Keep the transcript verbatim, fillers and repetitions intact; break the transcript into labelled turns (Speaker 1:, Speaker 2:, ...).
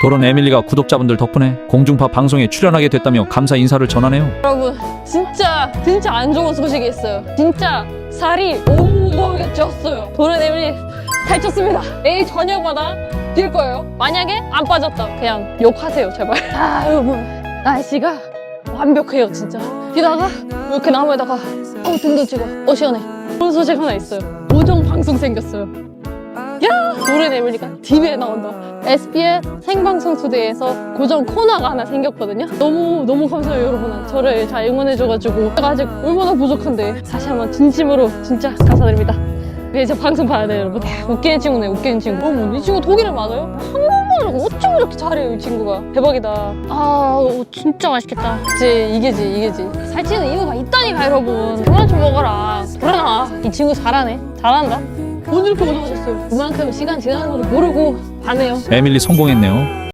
Speaker 1: 도른 에밀리가 구독자분들 덕분에 공중파 방송에 출연하게 됐다며 감사 인사를 전하네요.
Speaker 2: 여러분 진짜 진짜 안 좋은 소식이 있어요. 진짜 살이 오목하게 쪘어요. 도른 에밀리 살쪘습니다. 내일 저녁마다 뛸 거예요. 만약에 안 빠졌다 그냥 욕하세요 제발. 아 여러분 날씨가 완벽해요 진짜. 게다가 이렇게 나무에다가 어 등도 찍어 어 시원해. 그런 소식 하나 있어요. 고정 방송 생겼어요. 야 도른 에밀리가 티비에 나온다. 에스비에스 생방송 투데이에서 고정 코너가 하나 생겼거든요. 너무 너무 감사해요 여러분. 저를 잘 응원해줘가지고 제가 아직 얼마나 부족한데 다시 한번 진심으로 진짜 감사드립니다. 이제 방송 봐야 돼요 여러분. 웃기는 친구네 웃기는 친구. 어머 이 친구 독일어 맞아요? 한국말을 어쩜 이렇게 잘해요 이 친구가. 대박이다. 아 어, 진짜 맛있겠다. 그치 이게지 이게지. 살찌는 이유가 있다니까 여러분. 그만 좀 먹어라. 그러나 이 친구 잘하네. 잘한다. 오늘 이렇게 오셔셨어요. 그만큼 시간 지나는 것도 모르고 가네요.
Speaker 1: 에밀리 성공했네요.